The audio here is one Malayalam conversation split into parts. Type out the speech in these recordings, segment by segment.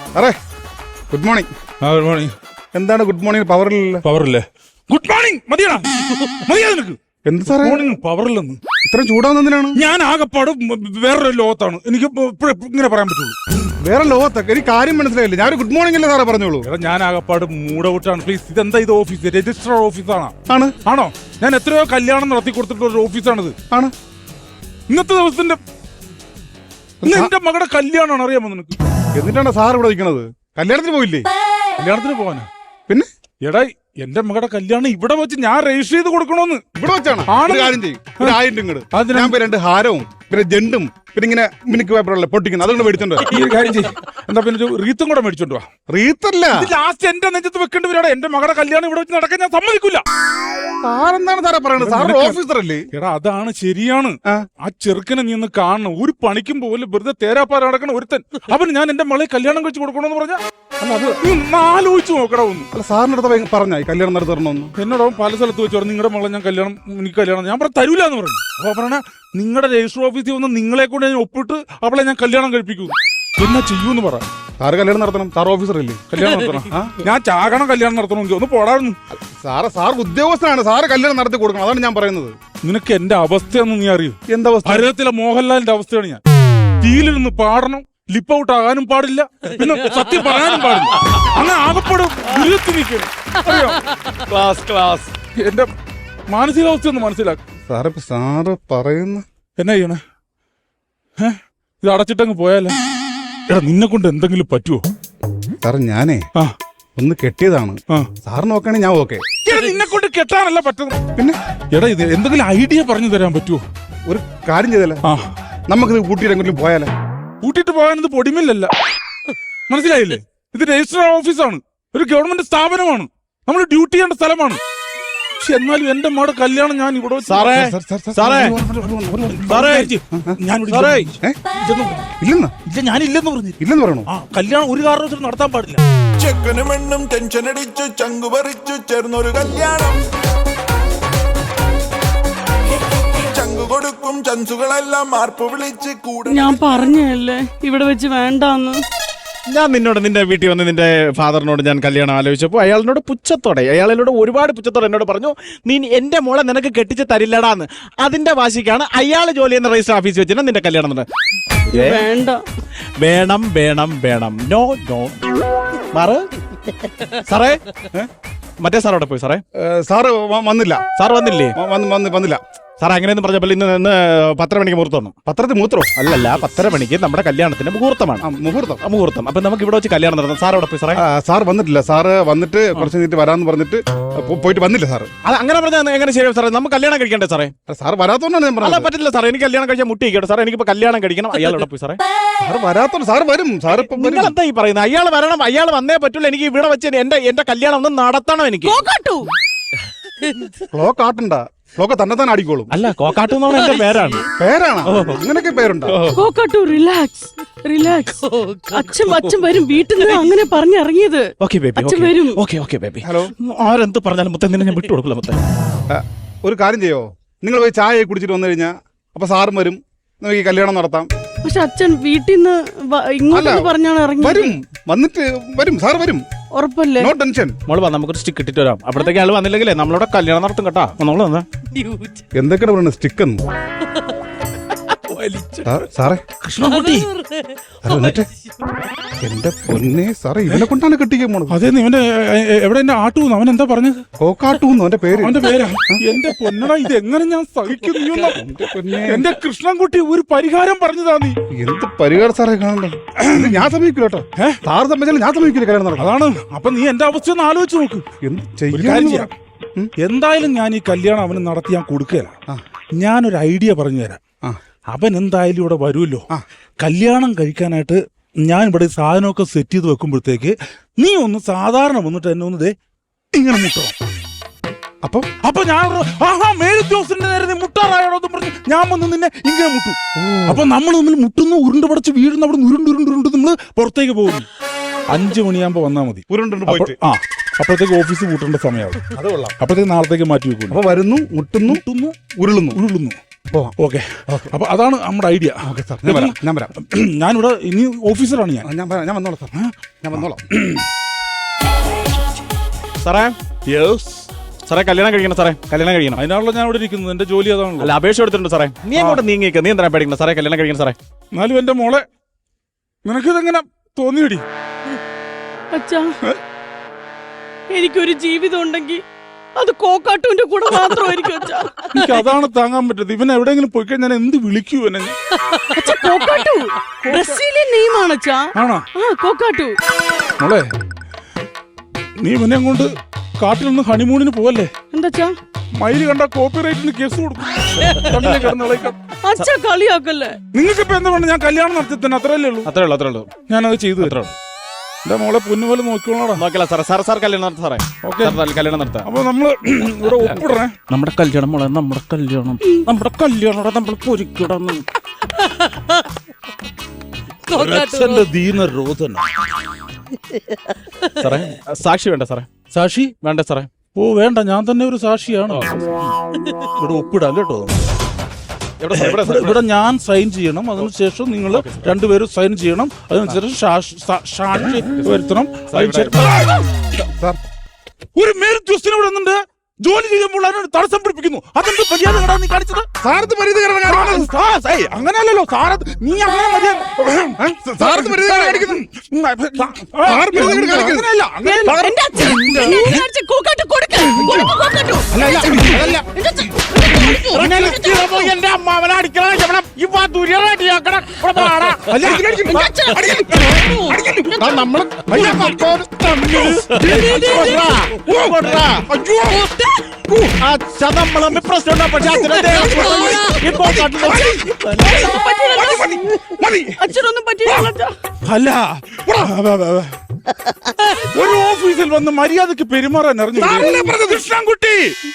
Array good morning. Good morning. എന്താണ് ഗുഡ് മോർണിംഗ് പവറില്ല? പവറില്ലേ? ഗുഡ് മോർണിംഗ് മതിയാ നിനക്ക്. എന്ത് സാറേ മോർണിംഗ് പവറില്ലെന്ന്? ഇത്രയും ചൂടാവുന്നതിനാണ്? ഞാൻ ആകെപ്പാട് വേറൊരു ലോകത്താണ്. എനിക്ക് ഇങ്ങനെ പറയാൻ പറ്റുള്ളൂ. വേറെ ലോകത്തൊക്കെ എനിക്ക് കാര്യം മനസ്സിലായില്ല. ഞാൻ ഗുഡ് മോർണിംഗ് അല്ലേ സാറേ പറഞ്ഞോളൂ. ഞാൻ ആകെപ്പാട് മൂടൗട്ടാണ്. പ്ലീസ്, ഇതെന്താ ഇത് ഓഫീസ്? രജിസ്റ്റർ ഓഫീസാണോ? ആണോ? ഞാൻ എത്രയോ കല്യാണം നടത്തി കൊടുത്തിട്ടുള്ള ഒരു ഓഫീസാണിത്. ആണ്. ഇന്നത്തെ ദിവസത്തിന്റെ എന്റെ മകളുടെ കല്യാണമാണ്, അറിയാമോ നിനക്ക്? എന്നിട്ടാണ് സാർ ഇവിടെ നിൽക്കണത്? കല്യാണത്തിന് പോയില്ലേ? കല്യാണത്തിന് പോവാനാ? പിന്നെ എടാ, എന്റെ മകളുടെ കല്യാണം ഇവിടെ വെച്ച് ഞാൻ രജിസ്റ്റർ ചെയ്ത് കൊടുക്കണോന്ന്. ഇവിടെ വെച്ചാണ്? കാര്യം ചെയ്യും, ഒരു 1000 ഇങ്ങോട്ട്. ഞാൻ 2 ഹാരവും പിന്നെ ജെണ്ടും പിന്നെ ഇങ്ങനെ മിനിക്ക് പേപ്പറല്ലേ പൊട്ടിക്കുന്നത്, അതുകൊണ്ട് മേടിച്ചോണ്ട് ഈ കാര്യം ചെയ്യും. എന്താ പിന്നെ ഒരു റീത്തും കൂടെ മേടിച്ചോണ്ട് വാ. റീത്തല്ല, ലാസ്റ്റ് എന്റെ നെഞ്ചത്ത് വെക്കേണ്ടി വരാടാ. എന്റെ മകളുടെ കല്യാണം ഇവിടെ വെച്ച് നടക്കാൻ ഞാൻ സമ്മതിക്കില്ല. സാറെന്താണ് സാറേ പറയണത്? സാർ ഓഫീസർ അല്ലേ? എടാ, അതാണ് ശരിയാണ്. ആ ചെറുക്കനെ നീ ഒന്ന് കാണണം. ഒരു പണിക്കും പോലും വെറുതെ തേരാപ്പാറ നടക്കണ ഒരുത്തൻ. അവന് ഞാൻ എന്റെ മകളെ കല്യാണം കഴിച്ച് കൊടുക്കണമെന്ന് പറഞ്ഞാ അല്ല, അത് നീ ആലോചിച്ച് നോക്കടാ ഒന്ന്. അല്ല, സാറിന്റെ അടുത്ത് പറഞ്ഞായി കല്യാണം നടത്തി തരണമെന്ന്. എന്നോട് പല സ്ഥലത്ത് വെച്ച് പറഞ്ഞു, നിങ്ങളുടെ മകളെ ഞാൻ എനിക്ക് കല്യാണം ഞാൻ തരൂല എന്ന് പറഞ്ഞു. അപ്പൊ പറഞ്ഞ നിങ്ങളുടെ രജിസ്റ്റർ ഓഫീസിൽ വന്ന് നിങ്ങളെ കൊണ്ട് ഞാൻ ഒപ്പിട്ട് അവളെ ഞാൻ കല്യാണം കഴിപ്പിക്കൂ. എന്നാ ചെയ്യൂന്ന് പറ. സാറ് കല്യാണം നടത്തണം, സാർ ഓഫീസർ അല്ലേ? കല്യാണം നടത്തണം. ഞാൻ ചാകണം കല്യാണം നടത്തണമെങ്കിൽ ഒന്ന് പോടായിരുന്നു. സാർ ഉദ്യോഗസ്ഥനാണ്, സാറ് കല്യാണം നടത്തി കൊടുക്കണം, അതാണ് ഞാൻ പറയുന്നത്. നിനക്ക് എന്റെ അവസ്ഥയൊന്നും നീ അറിയൂ? എന്താ അവസ്ഥ? ഭാരതത്തിലെ മോഹൻലാലിന്റെ അവസ്ഥയാണ് ഞാൻ. ടീലിരുന്ന് പാടണം, ലിപ്പ് ഔട്ട് ആകാനും പാടില്ല, പിന്നെ സത്യം പറയാനും പാടില്ല. അങ്ങനെ ആകപ്പെടും ദുരിതത്തിൽ നിൽക്കണം. എന്റെ മാനസികാവസ്ഥ ഒന്ന് മനസ്സിലാക്കും. സാറ് പറയുന്ന എന്നാ ചെയ്യണേ? ഇത് അടച്ചിട്ടങ്ങ് പോയാലോ? എടാ, നിന്നെ കൊണ്ട് എന്തെങ്കിലും പറ്റുമോ? സാറ് ഞാനേ ഒന്ന് കെട്ടിയതാണ്. സാർ നോക്കുകയാണെങ്കിൽ ഞാൻ ഓക്കെ. നിന്നെ കൊണ്ട് കെട്ടാനല്ല പറ്റുന്നത്. പിന്നെ എടാ, ഇത് എന്തെങ്കിലും ഐഡിയ പറഞ്ഞു തരാൻ പറ്റുമോ? ഒരു കാര്യം ചെയ്തല്ലേ, നമുക്കിത് കൂട്ടിയിട്ട് എങ്ങോട്ടും പോയാലോ? കൂട്ടിയിട്ട് പോകാനത് പൊടിമില്ലല്ല, മനസ്സിലായില്ലേ? ഇത് രജിസ്റ്റർ ഓഫീസാണ്, ഒരു ഗവൺമെന്റ് സ്ഥാപനമാണ്, നമ്മൾ ഡ്യൂട്ടി ചെയ്യേണ്ട സ്ഥലമാണ്. പക്ഷെ എന്നാലും എന്റെ മോടെ കല്യാണം ഞാൻ ഇവിടെ ഞാനില്ലെന്ന് പറഞ്ഞു. ഇല്ലെന്ന് പറയണോ? കല്യാണം ഒരു കാരണവശാലും നടത്താൻ പാടില്ല. ചെക്കനും പെണ്ണും ടെൻഷൻ അടിച്ചു ചങ്കു പറിച്ചു ചേർന്നൊരു കല്യാണം. ചങ്കു കൊടുക്കും ചൻസുകളെല്ലാം മാർപ്പ് വിളിച്ച് കൂടെ. ഞാൻ പറഞ്ഞല്ലേ ഇവിടെ വെച്ച് വേണ്ടാന്ന്. ഞാൻ നിന്റെ വീട്ടിൽ വന്ന് നിന്റെ ഫാദറിനോട് ഞാൻ കല്യാണം ആലോചിച്ചപ്പോൾ അയാളിനോട് അയാളോട് ഒരുപാട് പുച്ഛത്തോടെ എന്നോട് പറഞ്ഞു, നീ എന്റെ മോളെ നിനക്ക് കെട്ടിച്ച് തരില്ലടാന്ന്. അതിന്റെ വാശിക്കാണ് അയാൾ ജോലി ചെയ്യുന്ന രജിസ്റ്റർ ഓഫീസിൽ വെച്ചാൽ നിന്റെ കല്യാണം വേണ്ട. വേണം വേണം വേണം. No no. സാറേ, മറ്റേ സാറോടെ പോയി. സാറ് വന്നില്ല. സാർ വന്നില്ലേ? വന്നില്ല. സാർ അങ്ങനെയൊന്നും പറഞ്ഞപ്പോൾ ഇന്ന് 10:30 മണിക്ക് മുഹൂർത്തം. പത്രത്തിൽ മൂത്രോ? അല്ലല്ല, 10:30 മണിക്ക് നമ്മുടെ കല്യാണത്തിന്റെ മുഹൂർത്തമാണ്. മുഹൂർത്തം. അപ്പൊ നമുക്ക് ഇവിടെ വെച്ച് കല്യാണം നടത്താം. സാർ അവിടെ പോയി. സാർ വന്നിട്ടില്ല. സാറ് വന്നിട്ട് കുറച്ച് കഴിഞ്ഞിട്ട് വരാന്ന് പറഞ്ഞിട്ട് പോയിട്ട് വന്നില്ല. സാറ് അത് അങ്ങനെ പറഞ്ഞാൽ എങ്ങനെ ശരിയാവും സാറേ? നമുക്ക് കല്യാണം കഴിക്കണ്ടേ സാറേ? സാർ വരാത്തോണ്ടാണ് ഞാൻ പറഞ്ഞത്. പറ്റില്ല സാറേ, എനിക്ക് കല്യാണം കഴിച്ചാൽ മുട്ടിക്കട്ടെ സാറേ. എനിക്കിപ്പോ കല്യാണം കഴിക്കണം. അയാൾ അവിടെ പോയി. സാർ വരാത്തോണ്ട് സാർ വരും. സാർ നിങ്ങൾ എന്താ ഈ പറയുന്നത്? അയാൾ വരണം, അയാൾ വന്നേ പറ്റൂല. എനിക്ക് ഇവിടെ വെച്ച് എന്റെ കല്യാണം ഒന്ന് നടത്തണം. എനിക്ക് ക്ലോക്ക് ആട്ടണ്ട, ക്ലോക്ക് തന്നെ അടിക്കോളും. അല്ല, കോക്കാട്ടു എന്നാണ് എന്റെ പേരാണ്. അങ്ങനെയൊക്കെ പേരുണ്ടോ? കോക്കാട്ടു, റിലാക്സ്. അച്ഛൻ വരും വീട്ടിൽ നിന്ന്. അങ്ങനെ പറഞ്ഞിറങ്ങിയത്. അച്ഛൻ വരും. ഹലോ, ആരെന്ത് പറഞ്ഞാലും മുത്തേ നിന്നെ ഞാൻ വിട്ടുകൊടുക്കില്ല മുത്തേ. ഒരു കാര്യം ചെയ്യോ, നിങ്ങൾ പോയി ചായ കുടിച്ചിട്ട് വന്നു കഴിഞ്ഞാൽ അപ്പൊ സാറും വരും, നമുക്ക് ഈ കല്യാണം നടത്താം. പക്ഷെ അച്ഛൻ വീട്ടിൽ നിന്ന് ഇങ്ങോട്ട് പറഞ്ഞാണ് ഇറങ്ങി. വരും സാർ വരും, ഉറപ്പല്ലേ? No tension. മോള് വാ, നമുക്കൊരു സ്റ്റിക്ക് ഇട്ടിട്ട് വരാം. അപ്പോഴത്തേക്ക് ആള് വന്നില്ലെങ്കിലേ നമ്മളിവിടെ കല്യാണം നടത്തും കേട്ടാ. നമ്മള് വന്നാ എന്തൊക്കെയാണ് പറയുന്നത്? സ്റ്റിക്ക് സാറേ, കൃഷ്ണൻകുട്ടി എന്റെ പൊന്നെ സാറേ, ഇവനെ കൊണ്ടാണ് കെട്ടിക്കാൻ പോണത്. അതെ, ഇവന്റെ എവിടെ എന്റെ ആട്ടൂന്ന് അവൻ എന്താ പറഞ്ഞത്? കോക്കാട്ടൂന്ന് അവന്റെ പേരാ. എന്റെ പൊന്നടാ, ഇത് എങ്ങനെ ഞാൻ സഹിക്കുന്നു? എന്റെ കൃഷ്ണൻകുട്ടി ഒരു പരിഹാരം പറഞ്ഞതാ. നീ എന്ത് പരിഹാരം സാറേ കാണണ്ട? ഞാൻ സമീപിക്കില്ല കേട്ടോ. സാറ് സമ്മതിച്ചാലും ഞാൻ സമീപിക്കില്ല കല്യാണം നടക്കാം. അതാണ്. അപ്പൊ നീ എന്റെ അവസ്ഥ ഒന്ന് ആലോചിച്ച് നോക്ക്. ചെയ്യാം. എന്തായാലും ഞാൻ ഈ കല്യാണം അവന് നടത്തി ഞാൻ കൊടുക്കുകയില്ല. ഞാനൊരു ഐഡിയ പറഞ്ഞു തരാം. അവൻ എന്തായാലും ഇവിടെ വരുമല്ലോ. കല്യാണം കഴിക്കാനായിട്ട് ഞാൻ ഇവിടെ സാധനമൊക്കെ സെറ്റ് ചെയ്ത് വെക്കുമ്പോഴത്തേക്ക് നീ ഒന്ന് സാധാരണ വന്നിട്ട് എന്നെ ഒന്ന് ഇങ്ങനെ മുട്ടണം. അപ്പൊ ഞാൻ മേലുദ്യോഗസ്ഥന്റെ നേരെ നീ മുട്ടാറായോന്ന് പറഞ്ഞു ഞാൻ വന്ന് നിന്നെ ഇങ്ങനെ മുട്ടും. അപ്പൊ നമ്മൾ തമ്മിൽ മുട്ടുന്നു, ഉരുണ്ട് പടച്ച് വീഴുന്ന അവിടെ ഉരുണ്ട് നമ്മള് പുറത്തേക്ക് പോകുന്നു. 5 മണിയാകുമ്പോ വന്നാൽ മതി. അപ്പോഴത്തേക്ക് ഓഫീസ് പൂട്ടേണ്ട സമയമാവും. അപ്പോഴത്തേക്ക് നാളത്തേക്ക് മാറ്റി വെക്കുന്നു. അപ്പൊ വരുന്നു, മുട്ടുന്നു, ഉരുളുന്നു. പോവാം. ഓക്കെ. അപ്പൊ അതാണ് നമ്മുടെ ഐഡിയ. ഓക്കെ സാർ, ഞാൻ വരാം. ഞാനിവിടെ ഇനി ഓഫീസറാണ് ഞാൻ. ഞാൻ വന്നോളാം സാർ, ഞാൻ വന്നോളാം. സാറേ സാറേ കല്യാണം കഴിക്കണം സാറേ, കല്യാണം കഴിക്കണം. അതിനാണല്ലോ ഞാൻ ഇവിടെ ഇരിക്കുന്നത്. എന്റെ ജോലി അതാണല്ലോ. അല്ല അപേക്ഷ എടുത്തിട്ടുണ്ട് സാറേ. നീ അങ്ങോട്ട് നീങ്ങിയേക്ക്, നീ എന്തിനാ പേടിക്കണം സാറേ, കല്യാണം കഴിക്കണം സാറേ. എന്നാലും എന്റെ മോളെ നിനക്കിതെങ്ങനെ തോന്നിയടി? അച്ഛാ, എനിക്കൊരു ജീവിതം ഉണ്ടെങ്കിൽ അത് കോക്കാട്ടുവിന്റെ കൂടെ മാത്രമായിരിക്കും അച്ഛാ. എനിക്ക് അതാണ് താങ്ങാൻ പറ്റത്. ഇവൻ എവിടെയെങ്കിലും പോയി കഴിഞ്ഞാൽ എന്ത് വിളിക്കൂ എന്നെ? അച്ഛാ, കോക്കാട്ടു ബ്രസീലിയൻ നെയ്മാണ് അച്ഛാ. ആണോ? ആ, കോക്കാട്ടു. മോളെ, നീ ഇവനെ കൊണ്ട് കാട്ടിൽ നിന്ന് ഹണിമൂണിന് പോവല്ലേ? എന്താ മയില് കണ്ട കോപ്പിറൈറ്റിന് കേസ് കൊടുക്കും. കണ്ണിലെ കിടന്ന് ഇളക്കാം. അച്ഛാ, കളിയാക്കല്ലേ. നിങ്ങൾക്ക് ഇപ്പൊ എന്താ വേണ്ട? ഞാൻ കല്യാണം നടത്തി തന്നെ, അത്രയല്ലേ ഉള്ളൂ. അത്രേ ഉള്ളൂ. ഞാനത് ചെയ്തു തരാം. എന്റെ മോളെ പൊന്നുപോലെ നോക്കിക്കോളാടാ. നോക്കില്ല സാറേ, സാർ കല്യാണം നടത്താം സാറേ. ഓക്കെ, കല്യാണം നടത്താം. അപ്പൊ നമ്മള് ഇവിടെ ഒപ്പിടണേ. നമ്മുടെ കല്യാണം മോളെ, നമ്മുടെ കല്യാണം നമ്മൾ പൊരിക്കിടന്ന്. അച്ഛന്റെ ദീനരോധന. സാറേ സാക്ഷി വേണ്ട സാറേ? സാക്ഷി വേണ്ട സാറേ. ഓ വേണ്ട, ഞാൻ തന്നെ ഒരു സാക്ഷിയാണ്. ഇവിടെ ഒപ്പിടാം കേട്ടോ. ഇവിടെ ഞാൻ സൈൻ ചെയ്യണം, അതിനുശേഷം നിങ്ങൾ രണ്ടുപേരും സൈൻ ചെയ്യണം, അതിനുശേഷം സാക്ഷി വരുത്തണം. ഒരു മേലുദ്യോഗസ്ഥനെ ഇവിടെ വന്നിട്ട് ജോലി ചെയ്യുമ്പോൾ അതിനോട് തടസ്സം പിടിപ്പിക്കുന്നു. അതെന്ത് മര്യാദ നീ കാണിച്ചത്? സാറത്ത് അങ്ങനെയല്ലോ സാറ, നീ അങ്ങനെ മര്യാദ എന്റെ അച്ഛൻ കോക്കാട്ടു കൊടുക്ക്. കോക്കാട്ടു എന്റെ അമ്മാവനെ അടിക്കണം. നമ്മളെ പ്രശ്നം പക്ഷെ അച്ഛനൊന്നും പറ്റില്ല. അല്ല, ഒരു ഓഫീസിൽ വന്ന് മര്യാദക്ക് പെരുമാറാൻ അറിഞ്ഞു. കൃഷ്ണൻകുട്ടി,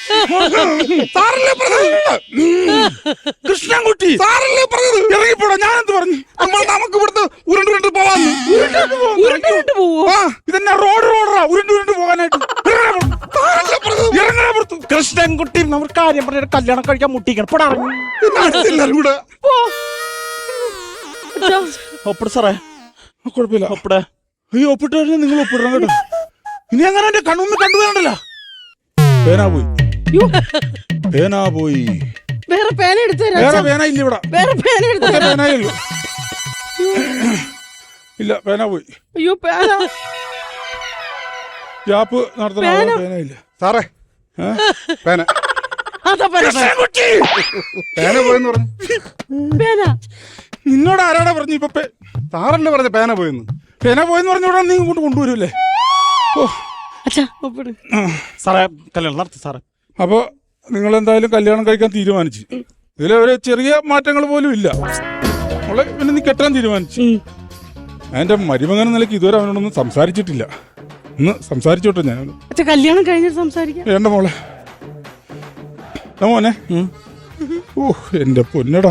കൃഷ്ണൻകുട്ടി ഇറങ്ങിപ്പോടാ. ഞാനെന്ത് പറഞ്ഞു? നമുക്ക് ഇവിടുത്തെ ഉരുണ്ട് പോവാന്ന്. ഇതെന്നാ റോഡറാ ഉരുണ്ട് പോകാനായിട്ട്? കൃഷ്ണൻകുട്ടി നമ്മൾ കാര്യം പറഞ്ഞ കല്യാണം കഴിക്കാൻ മുട്ടിക്കണം. കൂടെ ഒപ്പിട് സാറേ. കുഴപ്പമില്ല, ഒപ്പിട. ഈ ഒപ്പിട്ട് കഴിഞ്ഞാൽ നിങ്ങൾ ഒപ്പിടണം കേട്ടോ. ഇനി അങ്ങനെ എന്റെ കണ്ണൊന്നും കണ്ടുപോകണ്ടല്ലോ. പേനാ പോയി. വേറെ പേന എടുത്ത് വേറെ പേന ഇല്ല ഇവിടെ. വേറെ പേന എടുത്ത് പേനയുള്ളൂ. ഇല്ല, പേന പോയി. അയ്യോ, പേന ജാപ്പ് നടത്തണ പേന ഇല്ല സാറേ. പേന അതാ പേന പോയെന്ന് പറഞ്ഞു. പേന നിന്നോട് ആരാടാ പറഞ്ഞു? ഇപ്പൊ സാറല്ലേ പറഞ്ഞ പേന പോയെന്ന്? പേന പോയെന്ന് പറഞ്ഞോടാ നീ ഇങ്ങോട്ട് കൊണ്ടുവരൂല്ലേ? ഓ അച്ഛാ, ഒപ്പിട് സാറേ. കല്യാണം നടത്തി സാറേ. അപ്പൊ നിങ്ങൾ എന്തായാലും കല്യാണം കഴിക്കാൻ തീരുമാനിച്ചു. ഇതിലൊരു ചെറിയ മാറ്റങ്ങൾ പോലും ഇല്ല. അവളെ പിന്നെ നീ കെട്ടാൻ തീരുമാനിച്ചു. എന്റെ മരുമകൻ നിലയ്ക്ക് ഇതുവരെ അവനോടൊന്നും സംസാരിച്ചിട്ടില്ല. ഒന്ന് സംസാരിച്ചോട്ടെ ഞാൻ. അച്ഛാ, കല്യാണം കഴിഞ്ഞിട്ട് സംസാരിക്കാം. വേണ്ട മോളെ. മോനെ. ഓ എന്റെ പൊന്നടാ.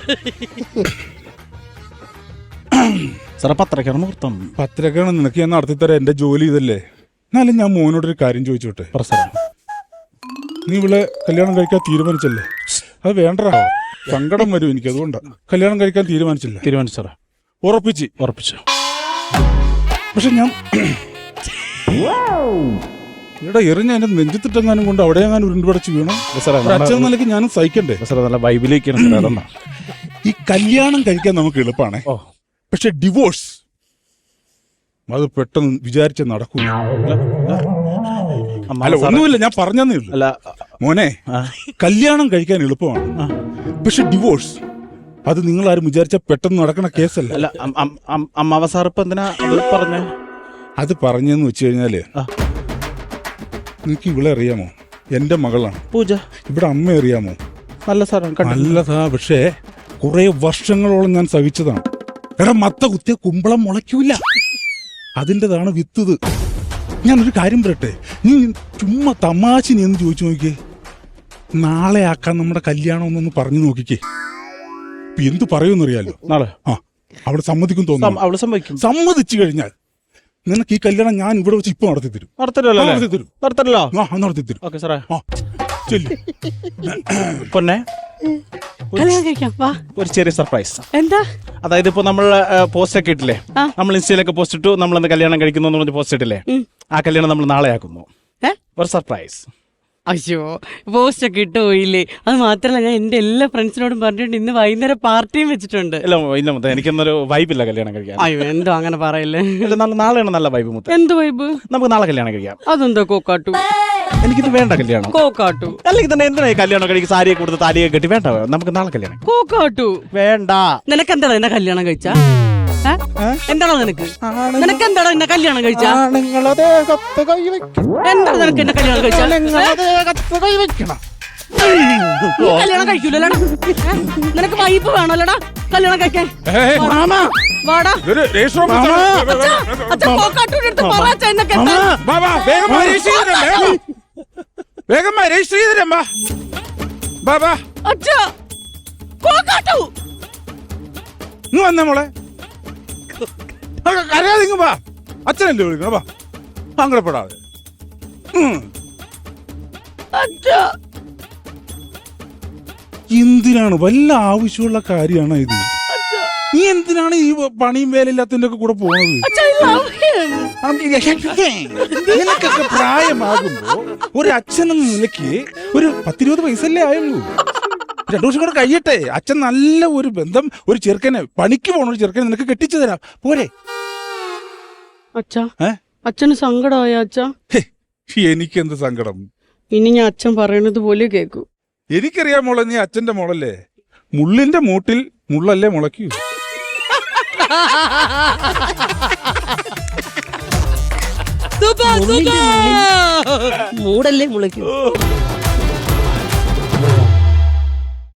സാറേ പത്രക്കാണ് മുഹൂർത്തം. പത്രക്കാണ് നിനക്ക് ഞാൻ നടത്തിത്തരാം. എന്റെ ജോലി ഇതല്ലേ. എന്നാലും ഞാൻ മോനോടൊരു കാര്യം ചോദിച്ചോട്ടെ? നീ ഇവിടെ കല്യാണം കഴിക്കാൻ തീരുമാനിച്ചല്ലേ? അത് വേണ്ടടാ, സങ്കടം വരും എനിക്ക്. അതുകൊണ്ടാ കല്യാണം കഴിക്കാൻ തീരുമാനിച്ചില്ല. തീരുമാനിച്ചു സാറേ. ഉറപ്പിച്ചു. പക്ഷെ ഞാൻ ഇവിടെ എറിഞ്ഞ എന്റെ നെഞ്ചത്തിട്ടെങ്ങാനും കൊണ്ട് അവിടെ എങ്ങാനും ഉരുണ്ടുപടച്ച് വീണോ? അച്ഛൻ നിലയ്ക്ക് ഞാനും സഹിക്കണ്ടേ? നല്ല ബൈബിലേക്കാണ്. ഈ കല്യാണം കഴിക്കാൻ നമുക്ക് എളുപ്പമാണ്, പക്ഷെ ഡിവോഴ്സ് അത് പെട്ടെന്ന് വിചാരിച്ച നടക്കൂല. അല്ല ഒന്നുമില്ല, ഞാൻ പറഞ്ഞേ ഉള്ളൂ. മോനെ, കല്യാണം കഴിക്കാൻ എളുപ്പമാണ്, പക്ഷെ ഡിവോഴ്സ് അത് നിങ്ങൾ ആരും വിചാരിച്ച പെട്ടെന്ന് നടക്കണ കേസല്ല. അമ്മാവ സാർ ഇപ്പൊ എന്തിനാ പറഞ്ഞ? അത് പറഞ്ഞെന്ന് വെച്ച് കഴിഞ്ഞാല് നിനക്ക് ഇവളെ അറിയാമോ? എന്റെ മകളാണ് പൂജ. ഇവിടെ അമ്മ അറിയാമോ? നല്ല സാർ, നല്ലതാ. പക്ഷേ കുറെ വർഷങ്ങളോളം ഞാൻ സഹിച്ചതാണ്. എടാ, മത്ത കുത്തിയ കുമ്പളം മുളയ്ക്കൂല, അതിൻ്റെതാണ് വിത്തത്. ഞാനൊരു കാര്യം പറയട്ടെ, നീ ചുമ്മാ തമാശ നീ എന്ന് ചോദിച്ചു നോക്കിയേ. നാളെ ആക്കാൻ നമ്മുടെ കല്യാണം ഒന്നൊന്ന് പറഞ്ഞു നോക്കിക്കേ. എന്തു പറയുമെന്നറിയാലോ? നാളെ അവള് സമ്മതിക്കും തോന്നുന്നു. അവള് സമ്മതിച്ചു കഴിഞ്ഞാൽ നിനക്ക് ഈ കല്യാണം ഞാൻ ഇവിടെ വെച്ച് ഇപ്പൊ നടത്തി തരും. നടത്തി തരും. ചെല്ലു. പൊന്നെ കല്യാണം കഴിക്കാം വാ. ഒരു ചെറിയ സർപ്രൈസ്. എന്താ? അതായത് ഇപ്പൊ നമ്മൾ പോസ്റ്റ് ഒക്കെ ഇട്ടില്ലേ, നമ്മൾ ഇൻസ്റ്റയിലൊക്കെ പോസ്റ്റ് ഇട്ടു, നമ്മളന്ന് കല്യാണം കഴിക്കുന്നു എന്ന് പറഞ്ഞ് പോസ്റ്റ് ഇട്ടില്ലേ, ആ കല്യാണം നമ്മൾ നാളെ ആക്കുന്നു. ഒരു സർപ്രൈസ്. അയ്യോ, പോസ്റ്റ് ഒക്കെ ഇട്ട് പോയില്ലേ? അത് മാത്രല്ല, ഞാൻ എന്റെ എല്ലാ ഫ്രണ്ട്സിനോടും പറഞ്ഞിട്ടുണ്ട് ഇന്ന് വൈകുന്നേരം പാർട്ടിയും വെച്ചിട്ടുണ്ട്. ഇല്ല ഇല്ല മുത്ത, എനിക്കൊന്നൊരു വൈബില്ല കല്യാണം കഴിക്കാൻ. അയ്യോ, എന്തോ അങ്ങനെ പറയല്ലേ. നാളെയാണ് നല്ല വൈബ് മുത്ത. എന്ത് വൈബ്? നമുക്ക് നാളെ കല്യാണം കഴിക്കാം. അതെന്താ കോക്കാട്ടു? എനിക്കിത് വേണ്ട കല്യാണം. കോക്കാട്ടു അല്ലെങ്കിൽ തന്നെ എന്തിനാ കല്യാണം കഴിക്കും? സാരിയെ കൊടുത്ത് താലിയെ കെട്ടി വേണ്ട, നമുക്ക് നാളെ കല്യാണം. കോക്കാട്ടു വേണ്ട. നിനക്ക് എന്താ എന്നെ കല്യാണം കഴിച്ച? എന്താണോ നിനക്ക്? നിനക്ക് എന്താണോ എന്നെ കല്യാണം കഴിച്ച? എന്താണ് നിനക്ക് എന്നെ കല്യാണം കഴിച്ച? കല്യാണം കഴിക്കൂലടാ. നിനക്ക് വൈബ് വേണോല്ലടാ കല്യാണം കഴിക്കാൻ. വാടാ അച്ഛൻ കോക്കാട്ടൂടെ അടുത്ത് പറയാ എന്നൊക്കെ. വേഗം രജിസ്റ്റർ ചെയ്തരമ്മാ. അച്ഛാ കോക്കാട്ടു ഇങ്ങ് വന്നേ മോളെ. അറിയാതെ ഇങ്ങ് വാ. അച്ഛനല്ലേ വിളിക്കണം. വാ, സങ്കടപ്പെടാതെ. എന്തിനാണ്? വല്ല ആവശ്യമുള്ള കാര്യമാണ് ഇത്? നീ എന്തിനാണ് ഈ പണിയും വേലയില്ലാത്തതിന്റെ ഒക്കെ കൂടെ പോണത്? നിനക്കൊക്കെ പ്രായമാകുമ്പോ ഒരു അച്ഛനെന്ന നിലയ്ക്ക് ഒരു 10-20 വയസ്സല്ലേ ആയുള്ളൂ. 2 വർഷം കൂടെ കഴിയട്ടെ. അച്ഛൻ നല്ല ഒരു ബന്ധം, ഒരു ചെറുക്കനെ, പണിക്ക് പോണ ഒരു ചെറുക്കനെ നിനക്ക് കെട്ടിച്ചു തരാം. പോരെ? അച്ഛാ, അച്ഛന് സങ്കടമായ അച്ഛാ? എനിക്കെന്ത് സങ്കടം? ഇനി ഞാൻ അച്ഛൻ പറയുന്നത് പോലെ കേക്കൂ. എനിക്കറിയാം മോളെ, നീ അച്ഛന്റെ മോളല്ലേ. മുള്ളിന്റെ മൂട്ടിൽ മുള്ളല്ലേ മുളയ്ക്കൂ. മൂടല്ലേ മുളയ്ക്കൂ.